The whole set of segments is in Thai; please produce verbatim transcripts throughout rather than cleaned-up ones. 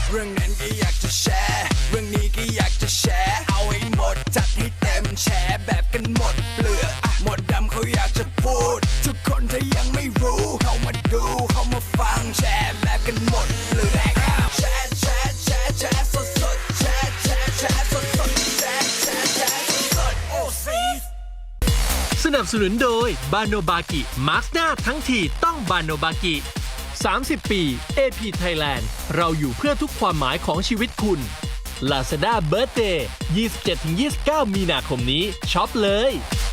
เรื่องนั้นก็อยากจะแชร์เรื่องนี้ก็อยากจะแชร์เอาให้หมดจัดให้เต็มแชร์แบบกันหมดเปลือกหมดดำเขาอยากจะพูดทุกคนถ้ายังไม่รู้เข้ามาดูเข้ามาฟังแชร์แบบกันหมดเปลือกแชร์แชร์แชร์แชร์สดสดแชร์แชร์แชร์สดสดแชร์แชร์แชร์สดสดโอ้ซีสนับสนุนโดยบาโนบากิมาร์คหน้าทั้งทีต้องบาโนบากิสามสิบ ปี เอ พี Thailand เราอยู่เพื่อทุกความหมายของชีวิตคุณ Lazada Birthday ยี่สิบเจ็ดถึงยี่สิบเก้า มีนาคมนี้ช็อปเลย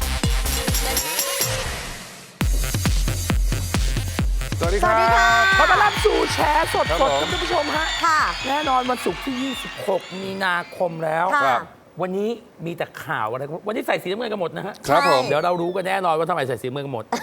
สวัสดีครับขอต้อนรับสู่แชร์สดครับสผดมท่านผู้ชมฮะค่ะแน่นอนวันศุกร์ที่ ยี่สิบหก มีนาคมแล้วค่ะครับวันนี้มีแต่ข่าวอะไรวันนี้ใส่สีน้ำเงินกันหมดนะฮะครับผมเดี๋ยวเรารู้กันแน่นอนว่าทำไมใส่สีน้ำเงินกันหมด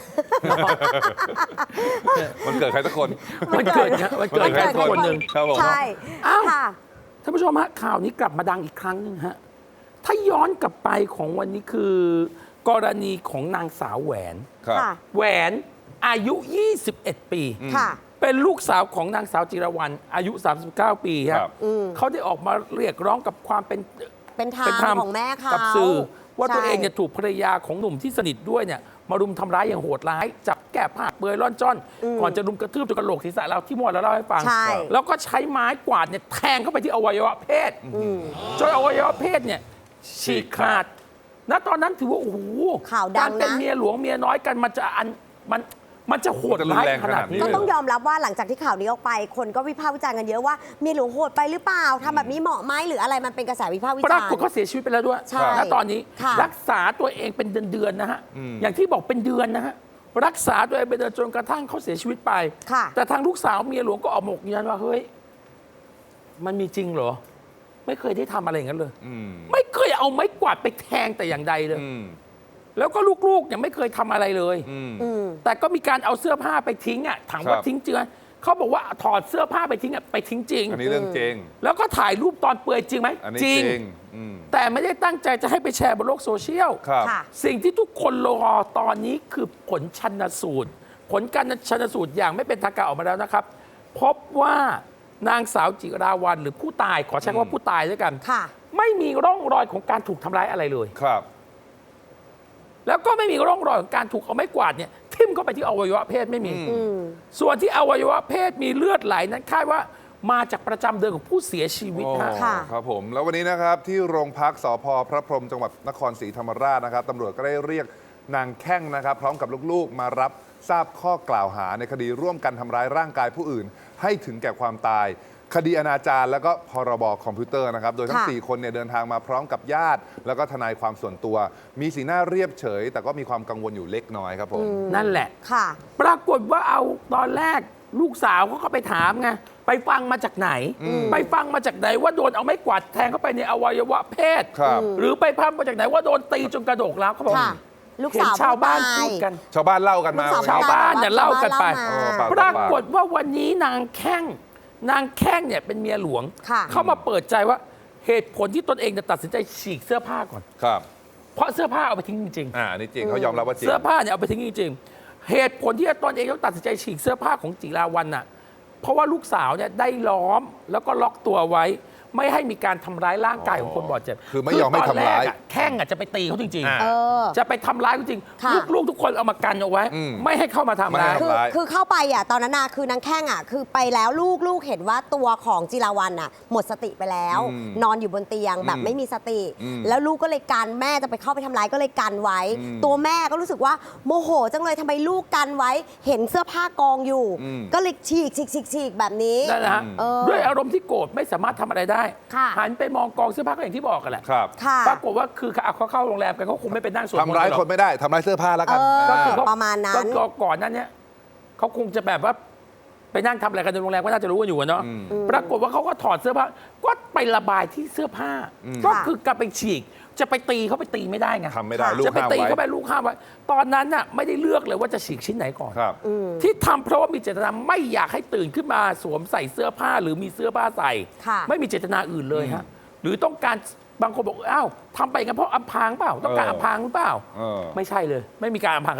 มันเกิดใครสักคนวันเกิดนะวันเกิดใครสักคนหนึ่งครับผมใช่อ้าวค่ะท่านผู้ชมฮะข่าวนี้กลับมาดังอีกครั้งหนึงฮะถ้าย้อนกลับไปของวันนี้คือ กรณีของนางสาวแหวนครับค่ะแหวนอายุ ยี่สิบเอ็ด ปีค่ะเป็นลูกสาวของนางสาวจิรวรรณอายุ สามสิบเก้า ปีคครัรับ บเขาได้ออกมาเรียกร้องกับความเป็นเป็นธรรเป็นธรรมมของแม่เขากับสื่อว่าตัวใช่เองเนี่ยถูกภรรยาของหนุ่มที่สนิทด้วยเนี่ยมารุมทำร้ายอย่างโหดร้าย จับแก้ผ้าเปลือยร่อนจ้อน ก่อนจะรุมกระทืบจนกระโหลกศีรษะเราที่มวดแล้วเล่าให้ฟังใช่แล้วก็ใช้ไม้กวาดเนี่ยแทงเข้าไปที่อวัยวะเพศจนอวัยวะเพศเนี่ยฉีกขาดณตอนนั้นถือว่าโอ้โหข่าวดังนะการเป็นเมียหลวงเมียน้อยกันมันจะอันมันมันจะโหดร้ายขนาดนี้ก็เลยต้องยอมรับว่าหลังจากที่ข่าวนี้ออกไป คนก็วิพากษ์วิจารณ์กันเยอะว่าเมียหลวงโหดไปหรือเปล่าทำแบบนี้เหมาะไหมหรืออะไรมันเป็นกระแสวิพากษ์วิปจาราณ์กฏเขาเสียชีวิตไปแล้วด้วยใช่ณตอนนี้ค่ะรักษาตัวเองเป็นเดือนๆนะฮะอืมอย่างที่บอกเป็นเดือนนะฮะ รักษาตัวเองเป็นเดือนจนกระทั่งเขาเสียชีวิตไปค่ะแต่ทางลูกสาวเมียหลวงก็ออกมาบอกยืนยันว่าเฮ้ย มันมีจริงเหรอ ไม่เคยได้ทำอะไรอย่างนั้นเลยอืมไม่เคยเอาไม้กวาดไปแทงแต่อย่างใดเลยอืมแล้วก็ลูกๆเนี่ยไม่เคยทำอะไรเลยอืมอืมแต่ก็มีการเอาเสื้อผ้าไปทิ้งอ่ะถามว่าครับทิ้งจริงไหมเขาบอกว่าถอดเสื้อผ้าไปทิ้งอ่ะไปทิ้งจริงอันนี้เรื่องจริงแล้วก็ถ่ายรูปตอนเปลือยจริงไหมอันนี้จจริริงงอืมแต่ไม่ได้ตั้งใจจะให้ไปแชร์บนโลกโซเชียลครับค่ะสิ่งที่ทุกคนรอตอนนี้คือผลชันสูตร ผลการชันสูตรอย่างไม่เป็นทางการออกมาแล้วนะครับ พบว่านางสาวจิราวัลย์หรือผู้ตายขอใช้คำว่าผู้ตายด้วยกันค่ะไม่มีร่องรอยของการถูกทำร้ายอะไรเลยครับแล้วก็ไม่มีร่องรอยของการถูกเอาไม้กวาดเนี่ยทิ่มเข้าไปที่อวัยวะเพศไม่มีอืมส่วนที่อวัยวะเพศมีเลือดไหลนั้นคาดว่ามาจากประจำเดือนของผู้เสียชีวิตโอ้ฮะค่ะครับผม แล้ววันนี้นะครับที่โรงพักสพพระพรหมจังหวัดนครศรีธรรมราชนะครับตำรวจก็ได้เรียกนางแข้งนะครับ พร้อมกับลูกๆ มารับทราบข้อกล่าวหาในคดีร่วมกันทำร้ายร่างกายผู้อื่น ให้ถึงแก่ความตาย คดีอนาจารแล้วก็พรบคอมพิวเตอร์นะครับ โดยทั้งค่ะสี่คนเนี่ยเดินทางมาพร้อมกับญาติ แล้วก็ทนายความส่วนตัว มีสีหน้าเรียบเฉย แต่ก็มีความกังวลอยู่เล็กน้อยครับผมนั่นแหละค่ะปรากฏว่าเอาตอนแรกลูกสาวเขาก็ไปถามไงไปฟังมาจากไหน ไปฟังมาจากไหนว่าโดนเอาไม้กวาดแทงเข้าไปในอวัยวะเพศครับหรือไปพังมาจากไหนว่าโดนตีจนกระโดกแล้วเขาบอกค่ะ ลูกเห็นสาวชาวบ้านผู้ตายพูดกันชาวบ้านเล่ากันมาลูกสาวชาวบ้านเนี่ยเล่ากันไปชาวบ้านเออเล่าปากมาปรากฏว่าวันนี้นางแข้งนางแข้งเนี่ยเป็นเมียหลวงค่ะเข้ามาเปิดใจว่าเหตุผลที่ตนเองจะตัดสินใจฉีกเสื้อผ้าก่อนครับเพราะเสื้อผ้าเอาไปทิ้งจริงอ่าอันนี่จริงเขายอมรับว่าจๆริงเสื้อผ้าเนี่ยเอาไปทิ้งจริงๆเหตุผลที่ตนเองต้องตัดสินใจฉีกเสื้อผ้าของจิราวัลย์น่ะเพราะว่าลูกสาวเนี่ยได้ล้อมแล้วก็ล็อกตัวไว้ ไม่ให้มีการทำร้ายร่างกายของคนบาดเจ็บคือไม่ยอมให้ทำร้ายคือตอนแกอะแข้งอ่ะจะไปตีเขาจริงอ่าเออๆ จะไปทำร้ายเขาจริงค่ะลูกๆทุกคนเอามากันเอาไว้อืมไม่ให้เข้ามาทำร้ายไม่ให้คือทำร้ายคือเข้าไปอ่ะตอนนั้นน่ะคือนางแข้งอ่ะคือไปแล้วลูกลูกเห็นว่าตัวของจิราวัลย์อ่ะหมดสติไปแล้วอืมนอนอยู่บนเตียงแบบอืมไม่มีสติอืมแล้วลูกก็เลยกันแม่จะไปเข้าไปทำร้ายก็เลยกันไว้อืมตัวแม่ก็รู้สึกว่าโมโหจังเลยทำไมลูกกันไว้ เห็นเสื้อผ้ากองอยู่อืมก็เลยฉีกฉีกฉีกฉีกแบบนี้นั่นนะฮะเออด้วยอารมณ์ที่โกรธไม่สามารถทำอะไรได้ค่ะหันไปมองกองเสื้อผ้าก็อย่างที่บอกกันแหละครับค่ะปรากฏว่าคือเขาเข้าโรงแรมกันเขาคงไม่ไปนั่งสวดมนต์ทำร้ายหรอกคนไม่ได้ทำร้ายเสื้อผ้าแล้วกันเออก็คือเขประมาณนั้นก็ก่อนนั้นเนี่ยเขาคงจะแบบว่าไปนั่งทำอะไรกันในโรงแรมก็น่าจะรู้กันอยู่อะเนาะอืมปรากฏว่าเขาก็ถอดเสื้อผ้าก็ไประบายที่เสื้อผ้าอืมก็คือกลับไปฉีก จะไปตีเขาไปตีไม่ได้ไงทำไม่ได้ลูกจะไปห้ามตีไว้เขาไปลูกห้ามไว้ตอนนั้นน่ะไม่ได้เลือกเลยว่าจะฉีกชิ้นไหนก่อนครับที่ทำเพราะว่ามีเจตนาไม่อยากให้ตื่นขึ้นมาสวมใส่เสื้อผ้าหรือมีเสื้อผ้าใส่ค่ะไม่มีเจตนาอื่นเลยฮะหรือต้องการบางคนบอกอ้าวทำไปกันเพราะอำพรางเปล่าต้องการเอออำพรางหรือเปล่าเออไม่ใช่เลย ไม่มีการอำพรางคดี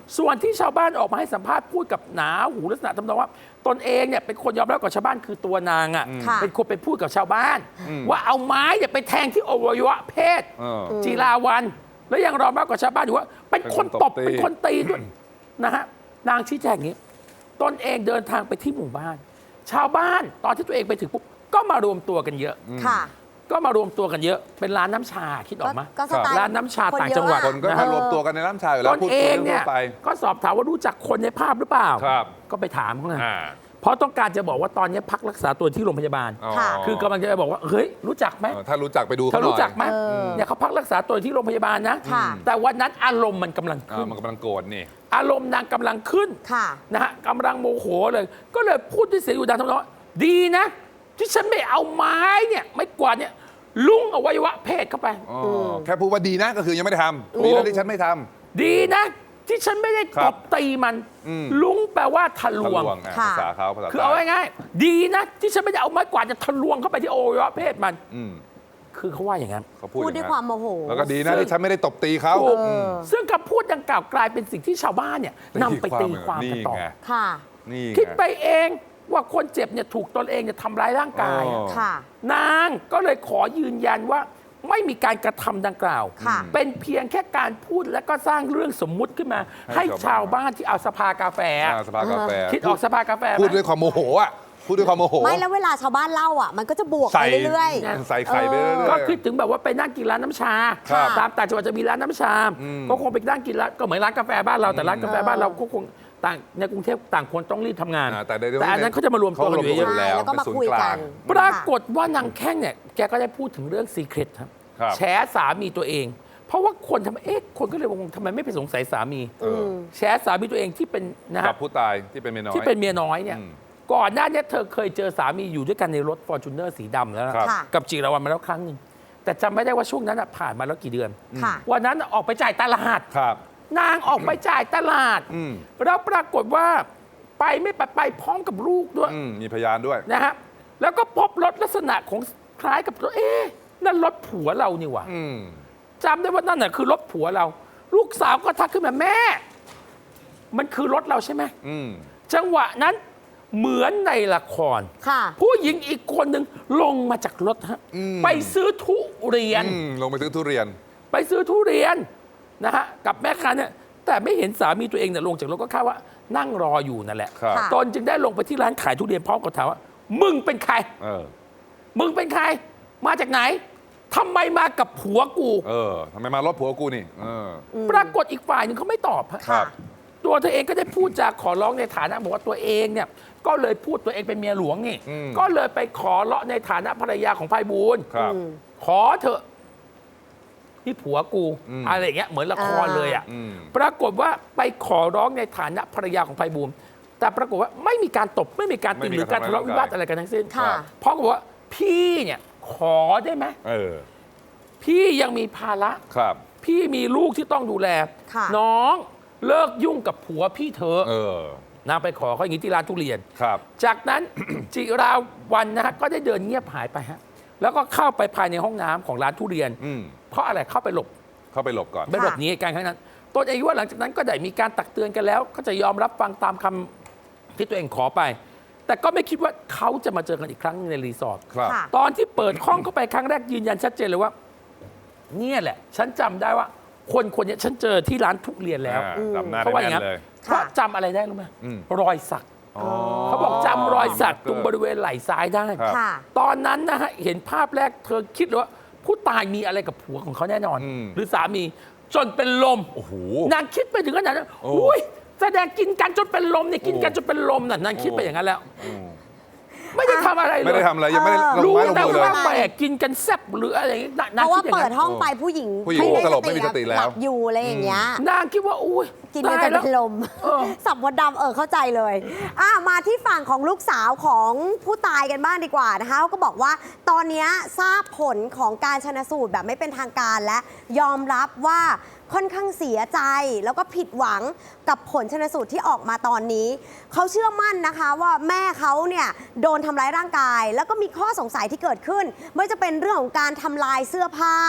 ส่วนที่ชาวบ้านออกมาให้สัมภาษณ์พูดกับหนาหูลักษณะทำนองว่าตนเองเนี่ยเป็นคนยอมรับกับชาวบ้านคือตัวนางอ่ะค่ะเป็นคนไปพูดกับชาวบ้าน ว่าเอาไม้เนี่ยไปแทงที่อวัยวะเพศเออจีราวันแล้วยังรอมากกว่าชาวบ้านอยู่ว่าเป็นคนตบเป็นคนตบตีเป็นคนตีด้วยนะฮะนางชี้แจงอย่างนี้ตนเองเดินทางไปที่หมู่บ้าน ชาวบ้านตอนที่ตัวเองไปถึงปุ๊บก็มารวมตัวกันเยอะค่ะก็มารวมตัวกันเยอะเป็นร้านน้ำชาคิดออกไหมก็สไตล์ร้านน้ำชาคนต่างเยอะจังหวัดอะคนก็นะมาฮะรวมตัวกันในน้ำชาอยู่แล้ตวน พูดเอคุยงเรื่เนี่อย งไปก็สอบถามว่ารู้จักคนในภาพหรือเปล่าครับก็ไปถามเขาไงอ่าเพราะต้องการจะบอกว่าตอนนี้พักรักษาตัวที่โรงพยาบาลอ๋อค่ะคือกำลังจะไปบอกว่าเฮ้ยรู้จักไหมเออถ้ารู้จักไปดูเธเขาอหน่รู้อยจักไหมเออเนี่ยเขาพักรักษาตัวที่โรงพยาบาลนะค่ะแต่วันนั้นอารมณ์มันกำลังอ่าขึ้นมันกำลังโกรธนี่อารมณ์นางกำลังขึ้นค่ะนะฮะกำลังโมโหเลย ก็เลยพูดด้วยเสียงอยู่ดังทำนองว่าดีนะ ที่ฉันไม่เอาไม้เนี่ยไม่กวาดเนี่ยลุงอวัยวะเพศเข้าไปอ๋อแค่พูดว่าดีนะก็คือยังไม่ได้ทำดีนะที่ฉันไม่ทำดีนะ ที่ฉันไม่ได้ครัตบบตีมันอืมลุงแปลว่าทะลทะวลงวงอ่ะค่ะภาษาเขาภาษาคือเอาใต้ง่ายๆดีนะ ที่ฉันไม่ได้เอาไม้กวาดจะทะลวงเข้าไปที่อวัยวะเพศมันอืมคือเขาว่าอย่างนั้นเขาพูดพูดด้วยความโมโหแล้วก็ดีนะที่ฉันไม่ได้ตบตีเขาถูกอืมซึ่งคำพูดดังกล่าวกลายเป็นสิ่งที่ชาวบ้านเนี่ยนำไปตีความกันต่อนี่ไงค่ะนี่ไงคิดไปเองว่าคนเจ็บเนี่ยถูกตนเองเนี่ยทำร้ายร่างกายอ๋อค่ะนางก็เลยขอยืนยันว่าไม่มีการกระทำดังกล่าวค่ะเป็นเพียงแค่การพูดและก็สร้างเรื่องสมมุติขึ้นมาให้ให้ชาวบ้านที่เอาสภากาแฟอ่าสภากาแฟคิดออกสภากาแฟไหมพูดด้วยความโมโหอ่ะพูดด้วยความโมโหไม่แล้วเวลาชาวบ้านเล่าอ่ะ มันก็จะบวกใส่ไปเรื่อยใส่ไข่ไปเรื่อยๆก็คือถึงแบบว่าไปนั่งกินร้านน้ำชาครับตามต่างจังหวัดจะมีร้านน้ำชาอืมก็คงไปนั่งกินร้านก็เหมือนร้านกาแฟบ้านเราแต่ร้านกาแฟบ้านเราก็คงต่างในกรุงเทพต่างคนต้องรีบทำงานอ่าแต่ในเรื่องแต่อันนั้นเขาจะมารวมตัวกันอยู่เขารวมเยตัวอะใช่แล้วก็มาคุยกันปรากฏว่านางแข้งเนี่ยแกก็ได้พูดถึงเรื่องซีเครตครับครับแฉสามีตัวเอง เพราะว่าคนทำไมเอ๊ะคนก็เลยงงทำไมไม่ไปสงสัยสามีเออแฉสามีตัวเองที่เป็นนะกัฮะบผู้ตายที่เป็นเมียน้อยที่เป็นเมียน้อยเนี่ยอืมก่อนหน้าเนี้เธอเคยเจอสามีอยู่ด้วยกันในรถฟอร์จูเนอร์สีดำแล้วนะครับค่ะกับจิรวรรณมาแล้วครั้งหนึ่งแต่จำไม่ได้ว่าช่วงนั้นน่ะผ่านมาแล้วกี่เดือนค่ะวันนั้นน่ะออกไปจ่ายตลาดครับนางออกไปจ่ายตลาดอืมแล้วปรากฏว่าไปไม่ไปไปพร้อมกับลูกด้วยอืมมีพยานด้วยนะฮะแล้วก็พบรถลักษณะของคล้ายกับตัวเอ๊ะนั่นรถผัวเรานี่หว่าอืมจำได้ว่านั่นน่ะคือรถผัวเรา ลูกสาวก็ทักขึ้นมาแม่ มันคือรถเราใช่ไหมอืมจังหวะนั้นเหมือนในละครค่ะผู้หญิงอีกคนหนึ่งลงมาจากรถฮะอืมไปซื้อทุเรียนอืมลงไปซื้อทุเรียนไปซื้อทุเรียนนะฮะกับแม่ค้าเนี่ยแต่ไม่เห็นสามีตัวเองเนี่ยลงจากรถก็คาดว่านั่งรออยู่นั่นแหละครับค่ะตนจึงได้ลงไปที่ร้านขายทุเรียนพร้อมกับถามว่า มึงเป็นใครเออมึงเป็นใคร มาจากไหนทำไมมากับผัวกูเออทำไมมารถผัวกูนี่ เออปรากฏอีกฝ่ายหนึ่งเขาไม่ตอบฮะครับตัวเธอเองก็ได้พูดจาขอร้องในฐานะบอกว่าตัวเองเนี่ยก็เลยพูดตัวเองเป็นเมียหลวงนี่อืมก็เลยไปขอเลาะในฐานะภรรยาของไพบูลย์ครับขอเถอะนี่ผัวกูอืมอะไรอย่างเงี้ยเหมือนละครเลยอ่ะอืมปรากฏว่าไปขอร้องในฐานะภรรยาของไพบูลย์แต่ปรากฏว่าไม่มีการตบไม่มีการตีไม่มีหรือการการทะเลาะทำร้ายวิวาทร่างกายอะไรกันทั้งสิ้นค่ะเพราะบอกว่าพี่เนี่ยขอได้ไหมเออพี่ยังมีภาระครับพี่มีลูกที่ต้องดูแลค่ะน้องเลิกยุ่งกับผัวพี่เธอะเออนางไปขอเขาอย่างนี้ที่ร้านทุเรียนครับจากนั้น จิราวันนะฮะก็ได้เดินเงียบหายไปฮะแล้วก็เข้าไปภายในห้องน้ำของร้านทุเรียนอืมเพราะอะไรเข้าไปหลบเข้าไปหลบก่อนไปหลบหนีเหตุการณ์ครั้งนั้นตนเองว่าหลังจากนั้นก็ได้มีการตักเตือนกันแล้ว ก็จะยอมรับฟังตามคำที่ตัวเองขอไป แต่ก็ไม่คิดว่าเขาจะมาเจอกันอีกครั้งหนึงในรีสอร์ทครับค่ะตอนที่เปิดห้องเข้าไปครั้งแรกยืนยันชัดเจนเลยว่า เนี่ยแหละ ฉันจำได้ว่า คนคนเนี้ยฉันเจอที่ร้านทุเรียนแล้วอ่าจำหน้าเขาได้ว่าอย่างแม่นั้นนเลยเพราะจำอะไรได้รู้ไหมอืมรอยสักอ๋อเขาบอกจำรอยสักเกิดตรงบริเวณไหล่ซ้ายได้ครับค่ะตอนนั้นนะฮะเห็นภาพแรกเธอคิดเลยว่าผู้ตายมีอะไรกับผัวของเขาแน่นอนอืมหรือสามีจนเป็นลมโอ้โหนางคิดไปถึงขนาดนั้นโอ้อุ้ยแสดงกินกันจนเป็นลมเนี่ยกินกันโอ้จนเป็นลมน่ะนางคิดไปอย่างนั้นแล้วอืมไม่ได้ทำอะไรเลยไม่ได้ทำอะไร ยังไม่ได้ลงรู้ไม้ลงแต่มือเลยว่าแหมกินกันแซ่บหรืออะไรอย่างนี้นางเพนางราะว่าคิดอย่างเปินั้ดนห้องไปผู้หญิงผู้หญิงไม่สลบไม่มีสติแล้วหลับอยู่อะไรอย่างเงี้ยนางคิดว่าอุ้ยกินกันตายจะแล้วเป็นลมเออสับมดดำเออเข้าใจเลยอ่ะมาที่ฝั่งของลูกสาวของผู้ตายกันบ้างดีกว่านะคะเขาก็บอกว่าตอนนี้ทราบผลของการชนสูตรแบบไม่เป็นทางการและยอมรับว่าค่อนข้างเสียใจแล้วก็ผิดหวังกับผลชนสูตรที่ออกมาตอนนี้เขาเชื่อมั่นนะคะว่าแม่เขาเนี่ยโดนทำร้ายร่างกาย แล้วก็มีข้อสงสัยที่เกิดขึ้นไม่ว่าจะเป็นเรื่องของการทำลายเสื้อผ้า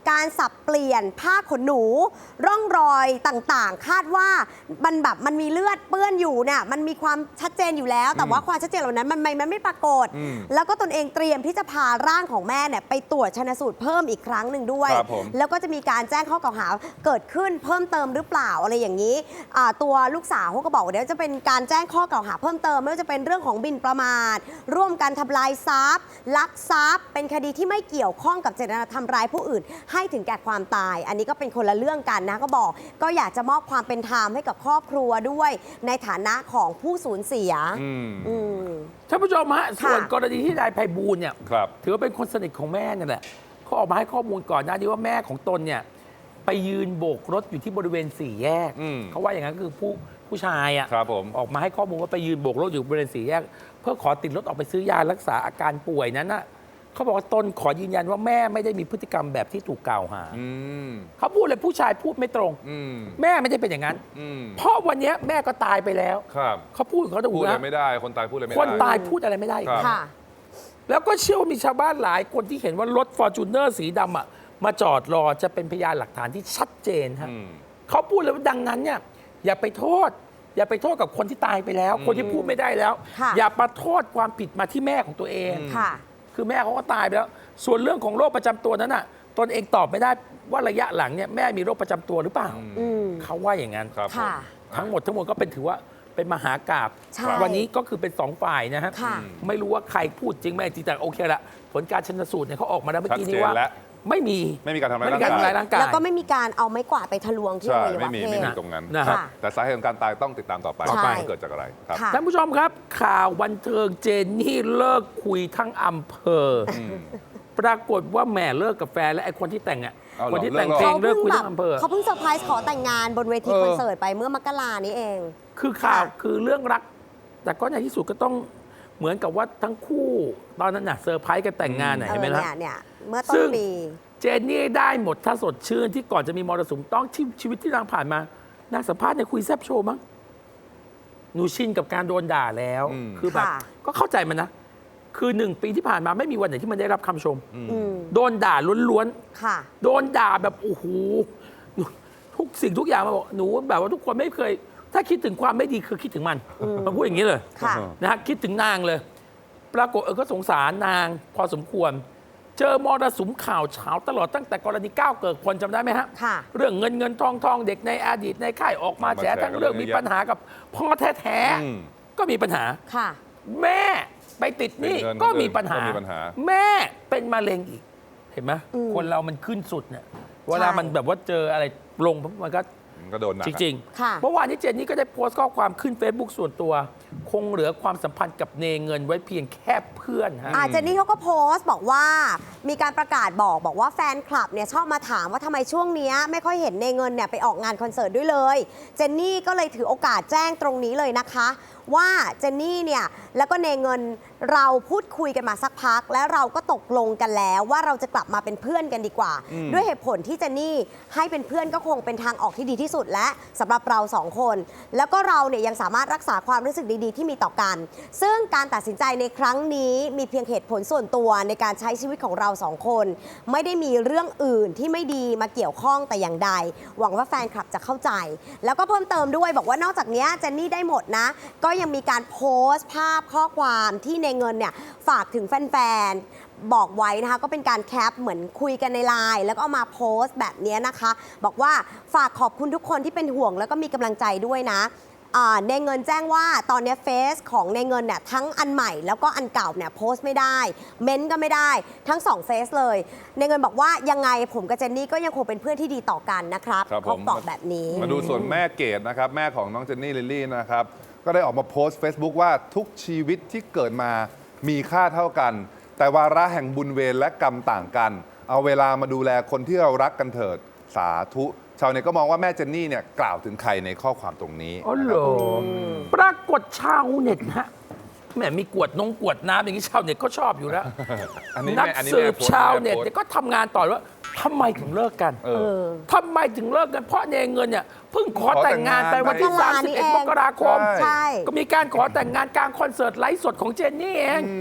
การสับเปลี่ยนผ้าขนหนู ร่องรอยต่างๆ คาดว่ามันแบบมันมีเลือดเปื้อนอยู่เนี่ยมันมีความชัดเจนอยู่แล้ว แต่ว่าความชัดเจนเหล่านั้นมันไม่มันไม่ปรากฏอืมแล้วก็ตนเองเตรียมที่จะพาร่างของแม่เนี่ยไปตรวจชันสูตรเพิ่มอีกครั้งหนึ่งด้วยครับผมแล้วก็จะมีการแจ้งข้อกล่าวหาเกิดขึ้นเพิ่มเติมหรือเปล่าอะไรอย่างนี้อ่าตัวลูกสาวเขาก็บอกว่าเดี๋ยวจะเป็นการแจ้งข้อกล่าวหาเพิ่มเติมไม่ว่าจะเป็นเรื่องของบินประมาทร่วมกันทำลายทรัพย์ลักทรัพย์ เป็นคดีที่ไม่เกี่ยวข้องกับเจตนาทำร้ายผู้อื่น ให้ถึงแก่ความตาย อันนี้ก็เป็นคนละเรื่องกันนะก็บอกก็อยากจะมอบความเป็นธรรมให้กับครอบครัวด้วยในฐานะของผู้สูญเสียอืมอืมท่านผู้ชมฮะค่ะส่วนกรณีที่นายไพบูลย์เนี่ยครับถือว่าเป็นคนสนิทของแม่เนี่ยแหละเขาออกมาให้ข้อมูลก่อนหน้านี้ว่าแม่ของตนเนี่ยไปยืนโบกรถอยู่ที่บริเวณสี่แยกอืมเขาว่าอย่างนั้นคือผู้ผู้ชายอ่ะครับผมออกมาให้ข้อมูลว่าไปยืนโบกรถอยู่บริเวณสี่แยก เพื่อขอติดรถออกไปซื้อยารักษาอาการป่วยนั้นน่ะเขาบอกว่าตนขอยืนยันว่าแม่ไม่ได้มีพฤติกรรมแบบที่ถูกกล่าวหาอืมเขาพูดเลยผู้ชายพูดไม่ตรงอืมแม่ไม่ได้เป็นอย่างนั้นอืมเพราะวันนี้แม่ก็ตายไปแล้วครับเขาพูดของเขาถูพูกดอะไรนะไม่ได้ คนตายพูดอะไรไม่ได้คนตายพูดอะไรไม่ได้อีกครับค่ะแล้วก็เชื่อว่ามีชาวบ้านหลายคนที่เห็นว่ารถฟอร์จูเนอร์สีดำอ่ะมาจอดรอจะเป็นพยานหลักฐานที่ชัดเจนฮะอืมเขาพูดเลยว่าดังนั้นเนี่ยอย่าไปโทษ อย่าไปโทษกับคนที่ตายไปแล้ว คนที่พูดไม่ได้แล้วค่ะอย่ามาโทษความผิดมาที่แม่ของตัวเองค่ะคือแม่เขาก็ตายไปแล้ว ส่วนเรื่องของโรคประจำตัวนั้นน่ะตนเองตอบไม่ได้ว่าระยะหลังเนี่ยแม่มีโรคประจำตัวหรือเปล่าอืมเขาว่าอย่างนั้นครับผมค่ะทั้งหมดทั้งมวลก็เป็นถือว่าเป็นมหากาพย์ใช่วันนี้ก็คือเป็นสองฝ่ายนะฮะค่ะไม่รู้ว่าใครพูดจริงไม่จริงแต่โอเคละผลการชันสูตรเนี่ยเขาออกมาแล้วเมื่อกี้นี้ชัดเจนว่าแล้วไม่มีไม่มีการทำร้ายไม่มีการทำร้ายร่างกายแล้วก็ไม่มีการเอาไม้กวาดไปทะลวงที่อใช่วัยวะไม่มีเพไม่มีศตรงนั้นนะฮะค่ะแต่สาเหตุของการตายต้องติดตามต่อไปใช่ว่าเกิดจากอะไรครับค่ะท่านผู้ชมครับ ข่าวบันเทิงเจนนี่เลิกคุยทั้งอำเภออปรากฏว่าแหม่เลิกกับแฟนและไอ้คนที่แต่งอ่ะเอาเหรอคนที่แต่งเลิเพกลเหรองเลิกคุยแบทั้บงอำเภอเขาเพิ่งเซอร์ไพรส์ขอแต่งงานบนเวทีเออคอนเสิร์ตไปเมื่อมกรานี้เองคือข่าวค่ะคือเรื่องรัก แต่ก็ในที่สุดก็ต้องเหมือนกับว่าทั้งคู่ตอนนั้นน่ะเซอร์ไพรส์กันแต่งงานน่ะเอเห็นอไหมล่ะเนี่ยเนี่ยเมื่อต้ซึ่นงปีเจนนี่ได้หมดถ้าสดชื่นที่ก่อนจะมีมรสุมต้องที่ชีวิตที่นางผ่านมานางสัมภาษณ์ในคุยแซบโชว์มั้งหนูชินกับการโดนด่าแล้วอืมคือแบบค่ะก็เข้าใจมันนะ คือหนึ่งปีที่ผ่านมาไม่มีวันไหนที่มันได้รับคำชมอืมโดนด่าล้วนค่ะๆ โดนด่าแบบโอ้โหทุกสิ่งทุกอย่างมาบอกหนูแบบว่าทุกคนไม่เคย ถ้าคิดถึงความไม่ดีคือคิดถึงมันมันพูดอย่างนี้เลยค่ะนะฮะคิดถึงนางเลย ปรากฏเออก็สงสารนางพอสมควร เจอมรสุมข่าวเช้าตลอดตั้งแต่กรณีก้าวเกิดพลจำได้ไหมฮะค่ะเรื่องเงินเงินทองทองเด็กในอดีตในค่ายออกมาออกมาแฉแฉทั้งเรื่องกันมีเยอะปัญหากับพ่อแท้อืมๆก็มีปัญหาค่ะแม่ไปติดหนี้ติดเงินก็มีปัญหาก็มีปัญหาแม่เป็นมะเร็งอีก เห็นไหมอืมคนเรามันขึ้นสุดเนี่ยเวลาใช่มันแบบว่าเจออะไรลงปุ๊บมันก็มันก็โดนหนักจอะริงค่ะๆ เมื่อวานนี้เจนนี่ก็ได้โพสต์ข้อความขึ้น Facebook ส่วนตัว คงเหลือความสัมพันธ์กับเนเงินไว้เพียงแค่เพื่อนฮะอาเจนนี่เขาก็โพสต์บอกว่ามีการประกาศบอกบอกว่าแฟนคลับเนี่ยชอบมาถามว่าทำไมช่วงเนี้ยไม่ค่อยเห็นในเงินเนี่ยไปออกงานคอนเสิร์ตด้วยเลย เจนนี่ก็เลยถือโอกาสแจ้งตรงนี้เลยนะคะ ว่าเจนนี่เนี่ยแล้วก็เนเงินเราพูดคุยกันมาสักพัก แล้วเราก็ตกลงกันแล้วว่าเราจะกลับมาเป็นเพื่อนกันดีกว่า ด้วยเหตุผลที่เจนนี่ให้เป็นเพื่อนก็คงเป็นทางออกที่ดีที่สุดและสำหรับเราสองคน แล้วก็เราเนี่ยยังสามารถรักษาความรู้สึกดีๆที่มีต่อกัน ซึ่งการตัดสินใจในครั้งนี้มีเพียงเหตุผลส่วนตัวในการใช้ชีวิตของเราสองคน ไม่ได้มีเรื่องอื่นที่ไม่ดีมาเกี่ยวข้องแต่อย่างใด หวังว่าแฟนคลับจะเข้าใจ แล้วก็เพิ่มเติมด้วยบอกว่านอกจากนี้เจนนี่ได้หมดนะก็ยังมีการโพสต์ภาพข้อความที่ในเงินเนี่ยฝากถึงแฟนๆบอกไว้นะคะก็เป็นการแคปเหมือนคุยกันในไลน์แล้วก็เอามาโพสต์แบบนี้นะคะ บอกว่าฝากขอบคุณทุกคนที่เป็นห่วงแล้วก็มีกำลังใจด้วยนะอ่าในเงินแจ้งว่าตอนนี้เฟซของในเงินเนี่ยทั้งอันใหม่แล้วก็อันเก่าเนี่ยโพสต์ไม่ได้เม้นต์ก็ไม่ได้ทั้งสองเฟซเลยในเงินบอกว่ายังไงผมกับเจนนี่ก็ยังคงเป็นเพื่อนที่ดีต่อกันนะครับครับผมเขาบอกแบบนี้มาดูส่วนแม่เกดนะครับ แม่ของน้องเจนนี่ลิลลี่นะครับ ก็ได้ออกมาโพสต์ Facebook ว่าทุกชีวิตที่เกิดมามีค่าเท่ากัน แต่วาระแห่งบุญเวรและกรรมต่างกัน เอาเวลามาดูแลคนที่เรารักกันเถิดสาธุชาวเน็ตก็มองว่าแม่เจนนี่เนี่ยกล่าวถึงใครในข้อความตรงนี้อ๋อเหรอปรากฏชาวเน็ตฮะแหมมีกวดนงกวดน้ำอย่างนี้ชาวเน็ตก็ชอบอยู่แล้วอันนี้นักแม่อันนี้สืแม่บโพสต์ชาวเน็ตแม่โพสต์เนี่ยก็ทำงานต่อว่าทำไมถึงเลิกกันเออทำไมถึงเลิกกันเพราะเนเงินเนี่ยเพิ่งขอแต่งงานไปวันที่ขอแต่งงานสามสิบเอ็ดนี่เองมกราคมใช่ใช่ก็มีการขอแต่งงานกลางคอนเสิร์ตไลฟ์สดของเจนนี่เอง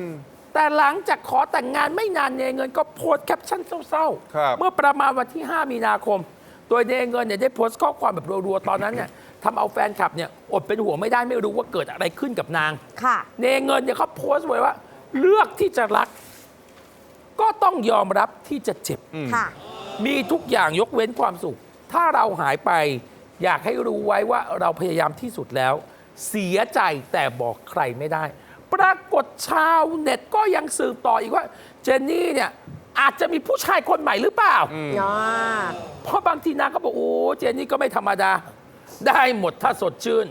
แต่หลังจากขอแต่งงานไม่นานเนเงินก็โพสต์แคปชั่นเศร้าครับๆ เมื่อประมาณวันที่ ห้า มีนาคม โดยเนเงินเนี่ยได้โพสต์ข้อความแบบรัวๆ ตอนนั้นเนี่ยทำเอาแฟนคลับเนี่ยอดเป็นห่วงไม่ได้ไม่รู้ว่าเกิดอะไรขึ้นกับนางค่ะเนเงินเนี่ยเขาโพสต์ไว้ว่า เลือกที่จะรัก ก็ต้องยอมรับที่จะเจ็บค่ะมีทุกอย่างยกเว้นความสุข ถ้าเราหายไป อยากให้รู้ไว้ว่าเราพยายามที่สุดแล้ว เสียใจแต่บอกใครไม่ได้ ปรากฏชาวเน็ตก็ยังสืบต่ออีกว่า เจนนี่เนี่ยอาจจะมีผู้ชายคนใหม่หรือเปล่าอ๋อเพราะบางทีนางก็บอกโอ้เจนนี่ก็ไม่ธรรมดา ได้หมดถ้าสดชื่น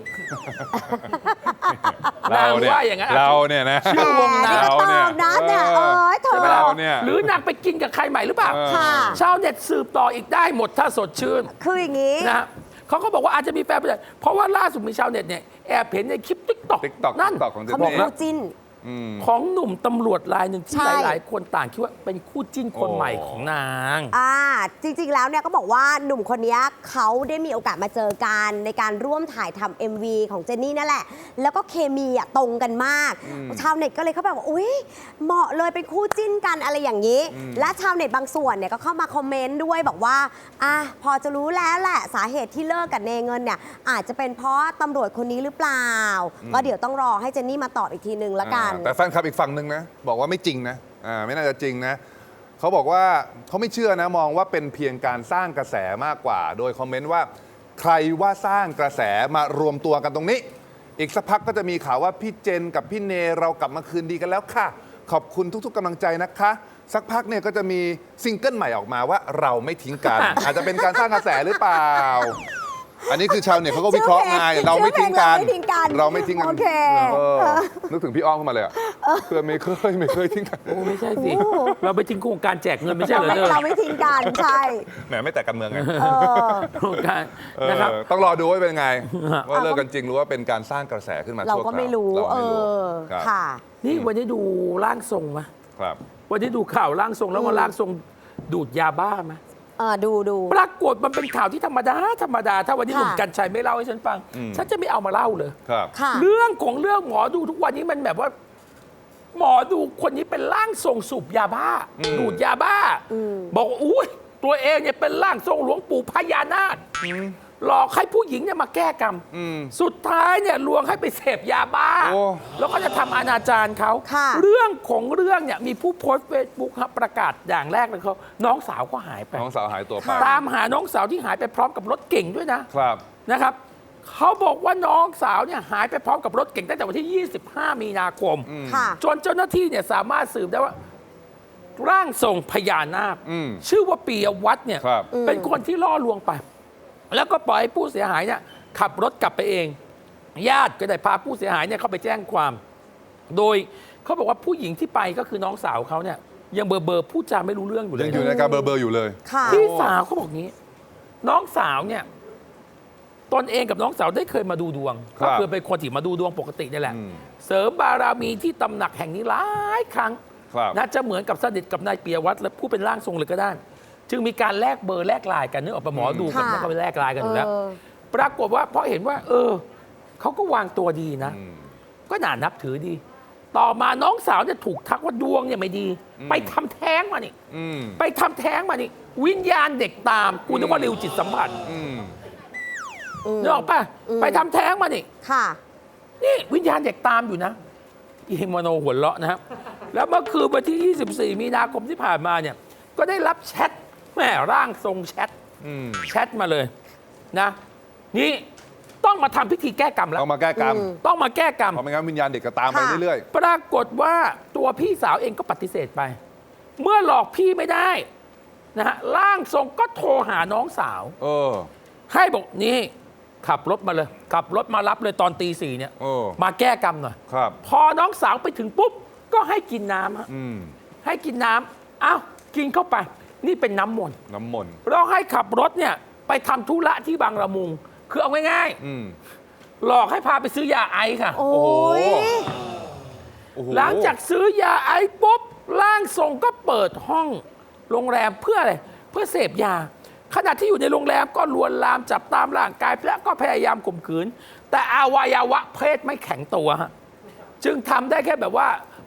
เราเนี่ยนางว่าอย่างนั้นเราเนี่ยนะชื่อวงแหมนางนี่ก็ตอบนะเนี่ยเออเธอใช่ไหมล่ะเราเนี่ยหรือนางไปกินกับใครใหม่หรือเปล่าค่ะชาวเน็ตสืบต่ออีกได้หมดถ้าสดชื่นคืออย่างนี้นะฮะเขาก็บอกว่าอาจจะมีแฟนผู้ชายเพราะว่าล่าสุดมีชาวเน็ตเนี่ยแอบเห็นในคลิปติ๊กต็อก TikTok นั่น TikTok ของเจนเขานี่มีคู่จิ้นของหนุ่มตำรวจรายหนึ่งที่ใช่หลาย ๆ คนต่างคิดว่าเป็นคู่จิ้นคนโอ้ใหม่ของนางอ่าจริงๆ แล้วเนี่ยก็บอกว่าหนุ่มคนนี้เขาได้มีโอกาสมาเจอกันในการร่วมถ่ายทำ เอ็ม วี ของเจนนี่นั่นแหละ แล้วก็เคมีอ่ะตรงกันมาก ชาวเน็ตก็เลยเขาแบบว่าอุ๊ยเหมาะเลยเป็นคู่จิ้นกันอะไรอย่างนี้ และชาวเน็ตบางส่วนเนี่ยก็เข้ามาคอมเมนต์ด้วยบอกว่าอ่ะพอจะรู้แล้วแหละสาเหตุที่เลิกกับเนเงินเนี่ยอาจจะเป็นเพราะตำรวจคนนี้หรือเปล่า ก็เดี๋ยวต้องรอให้เจนนี่มาตอบอีกทีนึงละกันอ่าแต่แฟนคลับอีกฝั่งหนึ่งนะบอกว่าไม่จริงนะอ่าไม่น่าจะจริงนะเขาบอกว่าเขาไม่เชื่อนะมองว่าเป็นเพียงการสร้างกระแสมากกว่า โดยคอมเมนต์ว่าใครว่าสร้างกระแสมารวมตัวกันตรงนี้ อีกสักพักก็จะมีข่าวว่าพี่เจนกับพี่เนเรากลับมาคืนดีกันแล้วค่ะ ขอบคุณทุกๆกำลังใจนะคะ สักพักเนี่ยก็จะมีซิงเกิลใหม่ออกมาว่าเราไม่ทิ้งกัน อาจจะเป็นการสร้างกระแสหรือเปล่า อันนี้คือชาวเน็ตเขาก็วิเคราะห์ไงเราไม่ทิ้งกันชื่อเพลงเราเราไม่ไม่ทิ้ทิ้งงกักัน นโอเคเออนึกถึงพี่อ้อมขึ้นมาเลยอะเพื่อนไม่เคยไม่เคยทิ้งกันโอ้ไม่ใช่สิ เราไปทิ้งโครงการแจกเงินไม่ใช่เราเหรอไม่เธอเราไม่ทิ้งกันใช่แหมไม่แต่กันเมืองไงเออโครงการเออนะครับต้องรอดูว่าเป็นไง ว่าเลิกกันจริงหรือว่าเป็นการสร้างกระแสขึ้นมาเราชั่วคก็ราวไม่รู้เราเอไม่รู้อครับค่ะนี่วันนี้ดูร่างทรงไหมครับวันนี้ดูข่าวร่างทรงแล้วก็ร่างทรงดูดยาบ้าไหมเออดูดูปรากฏมันเป็นข่าวที่ธรรมดาธรรมดา ถ้าวันนี้หค่ะนุ่มกัญชัยไม่เล่าให้ฉันฟังอืมฉันจะไม่เอามาเล่าเลยครับค่ะเรื่องของเรื่องหมอดูทุกวันนี้มันแบบว่า หมอดูคนนี้เป็นร่างทรงสูบยาบ้า ดูดยาบ้า บอกว่าอุ้ยตัวเองเนี่ยเป็นร่างทรงหลวงปู่พญานาคหลอกให้ผู้หญิงเนี่ยมาแก้กรรมอืมสุดท้ายเนี่ยลวงให้ไปเสพยาบ้าโอ้แล้วก็จะทำอนาจารเขาค่ะเรื่องของเรื่องเนี่ยมีผู้โพสต์เฟซบุ๊กครับประกาศอย่างแรกเลยเขาน้องสาวก็หายไปน้องสาวหายตัวไปค่ะตามหาน้องสาวที่หายไปพร้อมกับรถเก่งด้วยนะครับ นะครับเขาบอกว่าน้องสาวเนี่ยหายไปพร้อมกับรถเก่งตั้งแต่วันที่ ยี่สิบห้า มีนาคมค่ะจนเจ้าหน้าที่เนี่ยสามารถสืบได้ว่า ร่างทรงพญานาคอืมชื่อว่าปียวัฒน์เนี่ยครับเป็นคนที่ล่อลวงไป แล้วก็ปล่อยให้ผู้เสียหายเนี่ยขับรถกลับไปเอง ญาติก็ได้พาผู้เสียหายเนี่ยเข้าไปแจ้งความ โดยเขาบอกว่าผู้หญิงที่ไปก็คือน้องสาวเขาเนี่ยยังเบอร์เบอร์พูดจาไม่รู้เรื่องอยู่เลยังยอยู่ในการเบอร์เบอร์อยู่เลยค่ะพี่สาวเขาบอกงี้ น้องสาวเนี่ยตนเองกับน้องสาวได้เคยมาดูดวงครับก็คือเป็นคนที่มาดูดวงปกตินี่แหละอืมเสริมบารมีที่ตำหนักแห่งนี้หลายครั้งครับน่าจะเหมือนกับสนิทกับนายเปียวัฒน์และผู้เป็นร่างทรงเลยก็ได้ จึงมีการแลกเบอร์แลกไลน์กันนึกออกปะหมอดูกับค่ะเนี่ยก็ไปแลกไลน์กันอยู่แล้วเออปรากฏว่าเพราะเห็นว่า เออเขาก็วางตัวดีนะอืมก็น่านับถือดี ต่อมาน้องสาวเนี่ยถูกทักว่าดวงเนี่ยไม่ดีอืมไปทำแท้งมานี่อืมไปทำแท้งมานี่ วิญญาณเด็กตามกูนึกว่าริวจิตสัมผัสอืมอืมนึกออกปะอืมไปทำแท้งมานี่ค่ะนี่วิญญาณเด็กตามอยู่นะอีเฮมโนหัวเราะนะครับ แล้วเมื่อคืนวันที่ ยี่สิบสี่ มีนาคมที่ผ่านมาเนี่ย ก็ได้รับแชทแม่ร่างทรงแชทอืมแชทมาเลยนะ นี่ต้องมาทำพิธีแก้กรรมแล้วเอามาแก้กรรมอืมต้องมาแก้กรรมเพราะไม่งั้นวิญญาณเด็กก็ตามไปค่ะเรื่อยปรากฏว่าตัวพี่สาวเองก็ปฏิเสธไป เมื่อหลอกพี่ไม่ได้นะฮะร่างทรงก็โทรหาน้องสาวๆ เออให้บอกนี่ขับรถมาเลย ขับรถมารับเลยตอนตีสี่เนี่ยเออมาแก้กรรมหน่อยครับพอน้องสาวไปถึงปุ๊บ ก็ให้กินน้ำฮะอืมให้กินน้ำอ้าวกินเข้าไป นี่เป็นน้ำมนต์น้ำมนต์เราให้ขับรถเนี่ยไปทำธุระที่บางละมุง คือเอาง่ายอืมๆ หลอกให้พาไปซื้อยาไอซ์ค่ะโอ้ยโอ้โหหลังจากซื้อยาไอซ์ปุ๊บร่างทรงก็เปิดห้องโรงแรมเพื่ออะไร เพื่อเสพยา ขณะที่อยู่ในโรงแรมก็ลวนลามจับตามร่างกายและก็พยายามข่มขืน แต่อวัยวะเพศไม่แข็งตัวฮะจึงทำได้แค่แบบว่า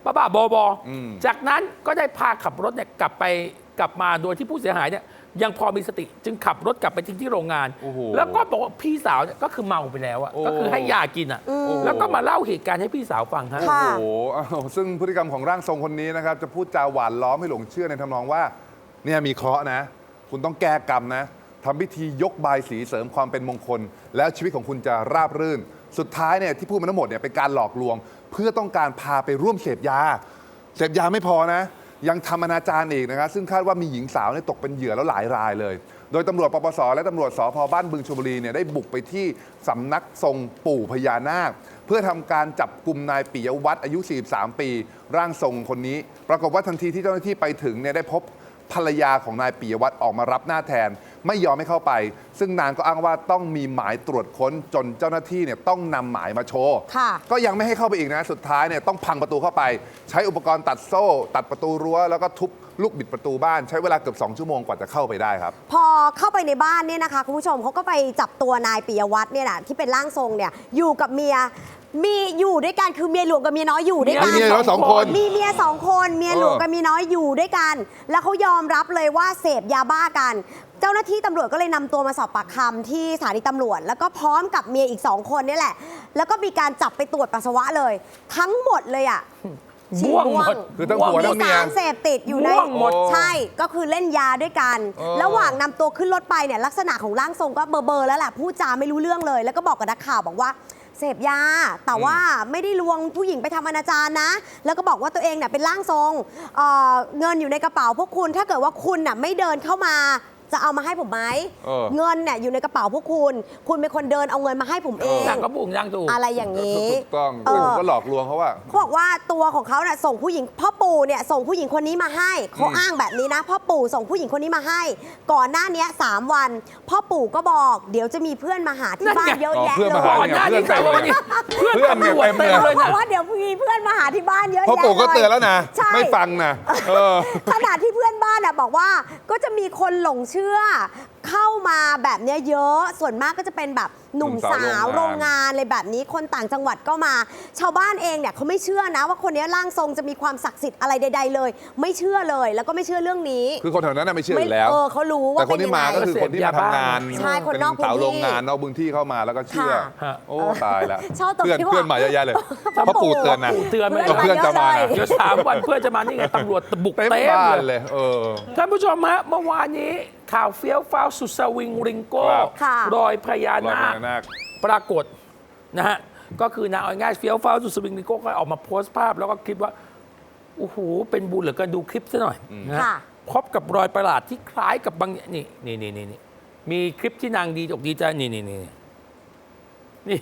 บ้าบ้าบอบออืมจากนั้นก็ได้พาขับรถเนี่ยกลับไปกลับมาโดยที่ผู้เสียหายเนี่ยยังพอมีสติจึงขับรถกลับไปทิ้งที่โรงงานโอ้โหแล้วก็บอกว่าพี่สาวเนี่ยก็คือเมาไปแล้วอะโอ้ก็คือให้ยากินอะโอ้โหแล้วก็มาเล่าเหตุการณ์ให้พี่สาวฟังฮะค่ะโอ้โหอ้าวซึ่งพฤติกรรมของร่างทรงคนนี้นะครับ จะพูดจาหวานล้อมให้หลงเชื่อในทำนองว่า เนี่ยมีเคราะห์นะ คุณต้องแก้กรรมนะทำพิธียกบายสีเสริมความเป็นมงคล แล้วชีวิตของคุณจะราบรื่น สุดท้ายเนี่ยที่พูดมาทั้งหมดเนี่ยเป็นการหลอกลวง เพื่อต้องการพาไปร่วมเสพยา เสพยาไม่พอนะ ยังทำอนาจารอีกนะครับซึ่งคาดว่ามีหญิงสาวเนี่ยตกเป็นเหยื่อแล้วหลายรายเลย โดยตำรวจปปสและตำรวจสพบ้านบึงชลบุรีเนี่ยได้บุกไปที่สำนักทรงปู่พญานาค เพื่อทำการจับกลุ่มนายปิยวัฒน์อายุ สี่สิบสาม ปี ร่างทรงคนนี้ ปรากฏว่าทันทีที่เจ้าหน้าที่ไปถึงเนี่ยได้พบภรรยาของนายปิยวัฒน์ออกมารับหน้าแทน ไม่ยอมให้เข้าไป ซึ่งนางก็อ้างว่าต้องมีหมายตรวจค้นจนเจ้าหน้าที่เนี่ยต้องนำหมายมาโชว์ค่ะก็ยังไม่ให้เข้าไปอีกนะ สุดท้ายเนี่ยต้องพังประตูเข้าไป ใช้อุปกรณ์ตัดโซ่ ตัดประตูรั้วแล้วก็ทุบลูกบิดประตูบ้านใช้เวลาเกือบสองชั่วโมงกว่าจะเข้าไปได้ครับพอเข้าไปในบ้านเนี่ยนะคะคุณผู้ชมเขาก็ไปจับตัวนายปิยวัฒน์เนี่ยนะที่เป็นร่างทรงเนี่ยอยู่กับเมียมีอยู่ด้วยกันคือเมียหลวงกับเมียน้อยอยู่ด้วยกันมีเมียน้อยสองคนมีเมียสองคนเมียหลวงเออกับเมียน้อยอยู่ด้วยกัน แล้วเขายอมรับเลยว่าเสพยาบ้ากัน เจ้าหน้าที่ตำรวจก็เลยนำตัวมาสอบปากคำที่สถานีตำรวจ แล้วก็พร้อมกับเมียอีกสองคนนี่แหละ แล้วก็มีการจับไปตรวจปัสสาวะเลย ทั้งหมดเลยอ่ะฉี่ม่วงหมดคือทั้งผัวมีทั้งเมียสารเสพติดอยู่ในม่วงหมดใช่ก็คือเล่นยาด้วยกันเออระหว่างนำตัวขึ้นรถไปเนี่ยลักษณะของร่างทรงก็เบอร์เบอร์แล้วแหละพูดจาไม่รู้เรื่องเลย แล้วก็บอกกับนักข่าวบอกว่าเสพยา แต่ว่าไม่ได้ลวงผู้หญิงไปทำอนาจารนะ แล้วก็บอกว่าตัวเองเนี่ยเป็นร่างทรงเอ่อเงินอยู่ในกระเป๋าพวกคุณถ้าเกิดว่าคุณน่ะไม่เดินเข้ามาจะเอามาให้ผมไหมเออเงินเนี่ยอยู่ในกระเป๋าพวกคุณ คุณเป็นคนเดินเอาเงินมาให้ผมเองนางก็บุกนางถูกอะไรอย่างนี้ถูกต้องเออผมก็หลอกลวงเขาว่าเขาบอกว่าตัวของเขาเนี่ยส่งผู้หญิงพ่อปู่เนี่ยส่งผู้หญิงคนนี้มาให้เขาอ้างแบบนี้นะพ่อปู่ส่งผู้หญิงคนนี้มาให้ ก่อนหน้านี้สามวัน พ่อปู่ก็บอกเดี๋ยวจะมีเพื่อนมาหาที่บ้านนั่นไงเยอะแยะอ๋อเพื่อนเลมาหายก่อนหน้านี้ใครว่าวันนี้เพื่อนเพื่อนเนี่ยตำรวจเต็เต็มมเลยเลยบอนะกว่าเดี๋ยวมีเพื่อนมาหาที่บ้านเยอะพ่อแยะปู่ก็เลยเตือนแล้วนะใช่ไม่ฟังนะเออขณะที่เพื่อนบ้านน่ะบอกว่าก็จะมีคนหลงเชื่อ เข้ามาแบบเนี้ยเยอะส่วนมากก็จะเป็นแบบหนุ่มสาวโรงงานเลยแบบนี้คนต่างจังหวัดก็มา ชาวบ้านเองเนี่ยเขาไม่เชื่อนะว่าคนนี้ร่างทรงจะมีความศักดิ์สิทธิ์อะไรใด ๆ เลย ไม่เชื่อเลยแล้วก็ไม่เชื่อเรื่องนี้คือคนแถวนั้นน่ะไม่เชื่ออยู่แล้วเออเขารู้ว่าแต่คนที่มาก็เป็นยังไงคือคนที่มาทำงานใช่คนนอกพื้นที่เป็สาวโรงงานนอกพื้นที่เข้ามาแล้วก็เชื่อค่ะโอ้ตายแล้วชอบตรงเพื่อนที่ว่าเพื่อนมาเยอะแยะเลยพ่อปู่เตือนนะปู่เตือนไม่เพื่อนจะมานะเดี๋ยวสามวันเพื่อนจะมานี่ไงตำรวจบุกเต็มเต็มบ้านเลยเลย เออท่านผู้ชมฮะเมื่อวานนี้ข่าวเฟี้ยวฟ้าวสุดสวิงริงโก้ครับค่ะรอยพญารอยนาพคญานาคปรากฏนะฮะก็คือนางเอาง่ายๆเฟี้ยวฟ้าวสุดสวิงริงโก้ก็ออกมาโพสต์ภาพแล้วก็คลิปว่าโอ้โหเป็นบุญเหลือเกินดูคลิปซะหน่อยนะฮะค่ะพบกับรอยประหลาดที่คล้ายกับบางนี่นี่นี่นี่นี่มีคลิปที่นางดีอกดีใจนี่นี่นี่นี่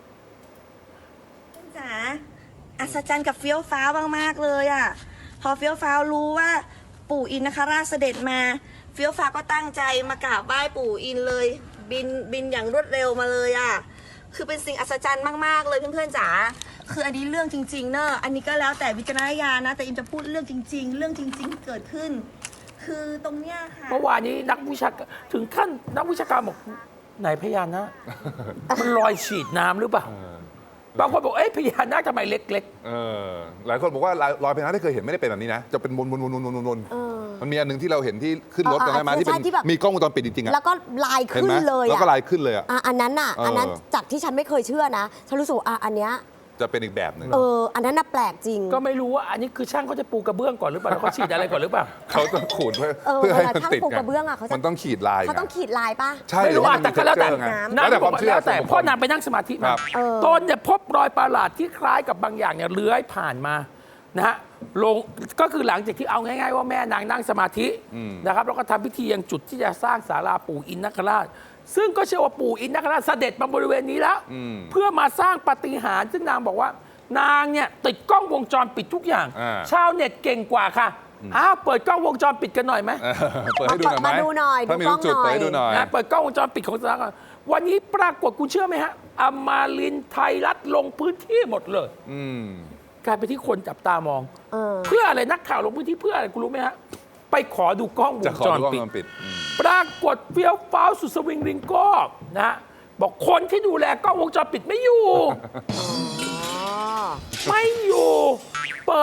จ๋าอัศจรรย์กับเฟี้ยวฟ้าวมากๆเลยอ่ะพอเฟี้ยวฟ้าวรู้ว่าปู่อินนคราชเสด็จมาเฟี้ยวฟ้าวก็ตั้งใจมากราบไหว้ปู่อินเลย บินบินอย่างรวดเร็วมาเลยอ่ะคือเป็นสิ่งอัศจรรย์มากๆเลยเพื่อนๆจ๋าคืออันนี้เรื่องจริงๆเนอะอันนี้ก็แล้วแต่วิจารณญาณนะแต่อิมจะพูดเรื่องจริง ๆ เรื่องจริง ๆ ที่เกิดขึ้น คือตรงเนี้ยค่ะเมื่อวานนี้นักวิชาการถึงขั้นนักวิชาการบอกไหนพญานาค มันลอยฉีดน้ำหรือเปล่า บางคนบอกเอ้ยพญานาคทำไมเล็กเออหลายคนบอกว่ารอยพญานาคที่เคยเห็นไม่ได้เป็นแบบนี้นะ จะเป็นวนวนวนวนวนวนเออมันมีอันหนึงที่เราเห็นที่ขึ้นรถเออกันได้มาใช่ที่เป็นใช่ที่แบบมีกล้องวงจรปิดจริงๆอะแล้วก็ลายเห็นขึ้ไหนมเลยแล้วอะก็ลายขึ้นเลยอะอ่ะอันนั้นน่ะเอออัอันนั้นจากที่ฉันไม่เคยเชื่อนะ ฉันรู้สึกว่าอ่ะอันเนี้ยจะเป็นอีกแบบหนึ่งเออ อันนั้นน่ะแปลกจริงๆ ก็ไม่รู้ว่าอันนี้คือช่างเขาจะปูกระเบื้องก่อนหรือเปล่าแล้วเขาฉีดอะไรก่อนหรือเปล่าเขาต้องขูดเพื่อเออเพื่อให้เวลามันช่างติดปูไงกระเบื้องอะเขาจะมันต้องขีดลายเขาต้องไงขีดลายปะใช่ไม่รู้ว่าแต่ก็แล้วแต่มันมี texture ไงนางแล้วแต่บคอวาก มว่าเชื่อแล้วแต่ส่วนบุคคลเพ่อนางไปนั่งสมาธิคมารับเออตนเนี่ยพบรอยประหลาดที่คล้ายกับบางอย่างเนี่ยเลื้อยผ่านมานะฮะลงก็คือหลังจากที่เอาง่ายๆว่าแม่นางนั่งสมาธินะครับแล้วก็ทำพิธียังจุดที่จะสร้างศาลาปู่อินนคราช ซึ่งก็เชื่อว่าปู่อินนคราชเสด็จมาบริเวณนี้แล้ว เพื่อมาสร้างปาฏิหาริย์ซึ่งนางบอกว่านางเนี่ยติดกล้องวงจรปิดทุกอย่างอ่าชาวเน็ตเก่งกว่าค่ะอ้าวเปิดกล้องวงจรปิดกันหน่อยไหมเออเปิดให้ดูหน่อยไหมมาดูหน่อยถ้ามีดูลูกจุดกล้องหน่อยเปิดให้ดูหน่อยนะเปิดกล้องวงจรปิดของสถานการณ์วันนี้ปรากฏคุณเชื่อไหมฮะอมรินทร์ไทยรัฐลงพื้นที่หมดเลยอืมกลายเป็นที่คนจับตามองเออเพื่ออะไรนักข่าวลงพื้นที่เพื่ออะไรคุณรู้ไหมฮะไปขอดูกล้องวจะงขอจรดูกล้องปิดวงจรปิดอืมปรากฏเฟี้ยวฟ้าวสุดสวิงริงโก้นะฮะบอกคนที่ดูแลกล้องวงจรปิดไม่อยู่อ๋อไม่อยู่ เปิด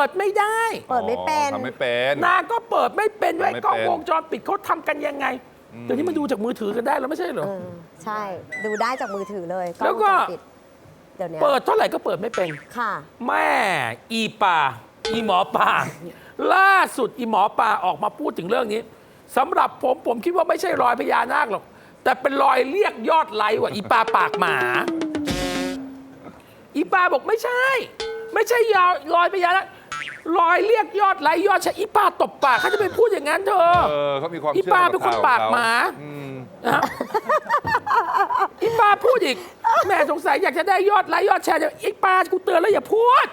ดไม่ได้เปิดไม่เป็นอ๋อทำไม่เป็นนางก็เปิดไม่เป็นด้วยทำไม่เป็นกล้องวงจรปิดเขาทำกันยังไงเดี๋ยวนี้มันดูจากมือถือกันได้แล้วไม่ใช่เหรอเออใช่ ดูได้จากมือถือเลยแล้วก็ล้องวงจรปิดเดี๋ยวนี้เปิดเท่าไหร่ก็เปิดไม่เป็นค่ะแม่อีป่าอีหมอป่าล่าสุดอีหมอป่าออกมาพูดถึงเรื่องนี้สำหรับผมผมคิดว่าไม่ใช่รอยพญานาคหรอกแต่เป็นรอยเรียกยอดไลค์ว่ะอีปลาปากหมา อีปลาบอกไม่ใช่ ไม่ใช่ยาวรอยพญานาครอยเรียกยอดไลค์ยอดแชร์อีปลาตบปากเขาจะไปพูดอย่างนั้นเธอเออเขามีความอีเชื่อปลากับเป็นคนข่วปากของเขหมาอืมนะฮะอีปลาพูดอีกแม่สงสัยอยากจะได้ยอดไลค์ยอดแชร์อีปลากูเตือนแล้วอย่าพูด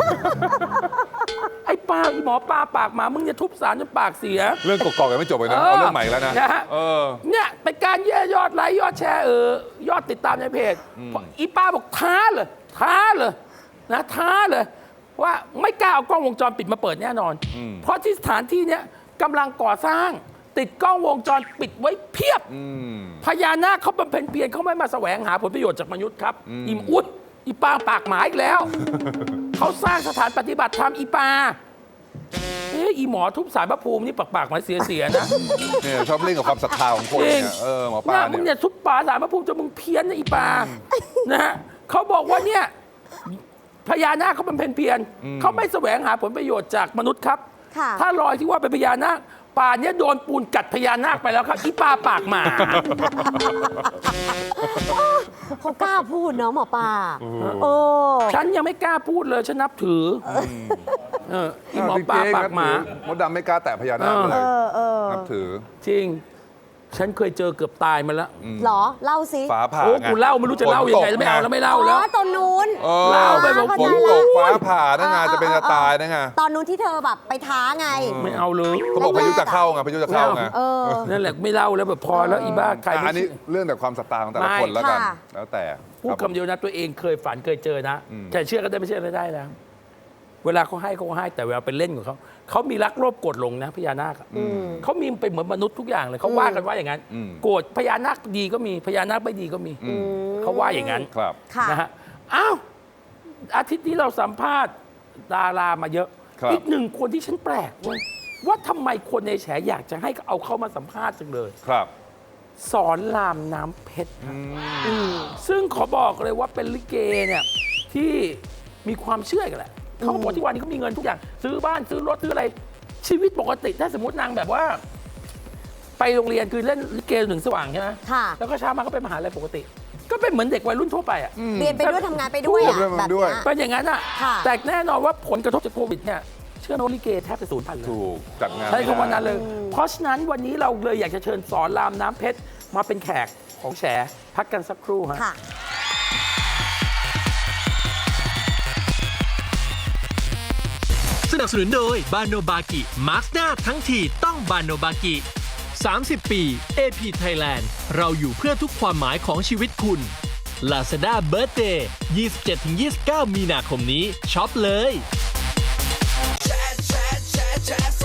ไอ้ปลาอีหมอปลาปากหมามึงจะทุบสารจนปากเสียเรื่องกอกๆยังไม่จบเลยนะเออเอาเรื่องใหม่แล้วนะนะฮะเออเนี่ยเป็นการแย่ยอดไลค์ยอดแชร์เออยอดติดตามในเพจอีป้าบอกท้าเลยท้าเลยนะท้าเลยว่าไม่กล้าเอากล้องวงจรปิดมาเปิดแน่นอนอืมเพราะที่สถานที่เนี้ยกำลังก่อสร้าง ติดกล้องวงจรปิดไว้เพียบอืมพญานาคเขาบำเพ็ญเพียรเขาไม่มาแสวงหาผลประโยชน์จากมนุษย์ครับอืมอิมอุดอีปางปากหมาอีกแล้ว เขาสร้างสถานปฏิบัติธรรมอีปาเอ๊ะอีหมอทุบสารพระภูมินี่ปากปากหมาเสียๆนะเนี่ยชอบเล่นกับความศรัทธาของคนเนี่ยเออหมอปลามึงเนี่เนี่ย ยทุบป่าสารพระภูมิจนมึงเพี้ยนนะอีปา นะฮะเขาบอกว่าเนี่ยพญานาคเขาบำเพ็ญเพียรเขาไม่แสวงหาผลประโยชน์จากมนุษย์ครับค่ะถ้ารอยที่ว่าเป็นพญานาคป่าเนี้ยโดนปูนกัดพญานาคไปแล้วครับอีปาปากหมาเขากล้าพูดเนาะหมอปลาโอ้ฉันยังไม่กล้าพูดเลยฉันนับถือเอออีหมอปลาปากหมามดดำไม่กล้าแตะพญานาคเลเอย อเออนับถือจริง ฉันเคยเจอเกือบตายมาแล้วเหรอ เล่าสิฟ้าผ่าโอ้ไงกูเล่าไม่รู้จะเล่ายังไงไม่เอาแล้วไม่เล่าอ๋แล้วอตอนนู้นเออเล่าไปบอกฝนตกฟ้าผ่านั่นไงจะเป็นจะตายนั่นไงตอนนู้นที่เธอแบบไปท้าไงไม่เอาเลยเขาบอกพายุจะเข้าไงพายุจะเข้าไงเออนั่นแหละไม่เล่าแล้วแบบพอแล้วอีบ้าใครอ่ะไม่อันนี้เชื่อเรื่องแต่ความศรัทธาของแต่ละคนไม่แล้วกันค่ะแล้วแต่พูดรับคำเดียวนะตัวเองเคยฝันเคยเจอนะอืมแต่เชื่อก็ได้ไม่เชื่อก็ได้แล้วเวลาเขาให้เขาก็ให้แต่เวลาไปเล่นของเขาเขามีรักโลภโกรธหลงนะพญานาคอะอืมเขามีเป็นเหมือนมนุษย์ทุกอย่างเลยเขาว่ากันว่าอย่างนั้นอืมโกรธพญานาคดีก็มีพญานาคไม่ดีก็มีอืมเขาว่าอย่างนั้นครับค่ะนะฮะอ้าวอาทิตย์นี้เราสัมภาษณ์ดารามาเยอะครับอีกหนึ่งคนที่ฉันแปลกเว้ยว่าทำไมคนในแฉอยากจะให้เอาเข้ามาสัมภาษณ์จังเลยครับสอนรามน้ำเพชรครับซึ่งขอบอกเลยว่าเป็นลิเกเนี่ยที่มีความเชื่อกันแหละเขาบอกที่วันนี้เขามีเงินทุกอย่าง ซื้อบ้านซื้อรถซื้ออะไรชีวิตปกติถ้าสมมตินางแบบว่า ไปโรงเรียนคือเล่นลิเกถึงสว่างใช่ไหมค่ะแล้วก็เช้ามาก็ไปมหาลัยปกติ ก็เป็นเหมือนเด็กวัยรุ่นทั่วไปอ่ะเรียนไปด้วยทำงานไปด้วยอะถูกแบบด้วยเนี้ยเป็นอย่างนั้นอ่ะค่ะแต่แน่นอนว่าผลกระทบจากโควิดเนี่ยเชื่อโนลิเกแทบจะสูญพันธุ์เลยถูกจัดงานใช่คำว่าไม่ได้นั้นเลย เพราะฉะนั้นวันนี้เราเลยอยากจะเชิญสอนรามน้ำเพชรมาเป็นแขกของแฉพักกันสักครู่ฮะค่ะสนับสนุนโดยบาโนบากิมาร์คหน้าทั้งทีต้องบาโนบากิ สามสิบ ปี เอ พี Thailand เราอยู่เพื่อทุกความหมายของชีวิตคุณ Lazada Birthday ยี่สิบเจ็ดถึงยี่สิบเก้า มีนาคมนี้ช็อปเลยแชร์แชร์แชร์แชร์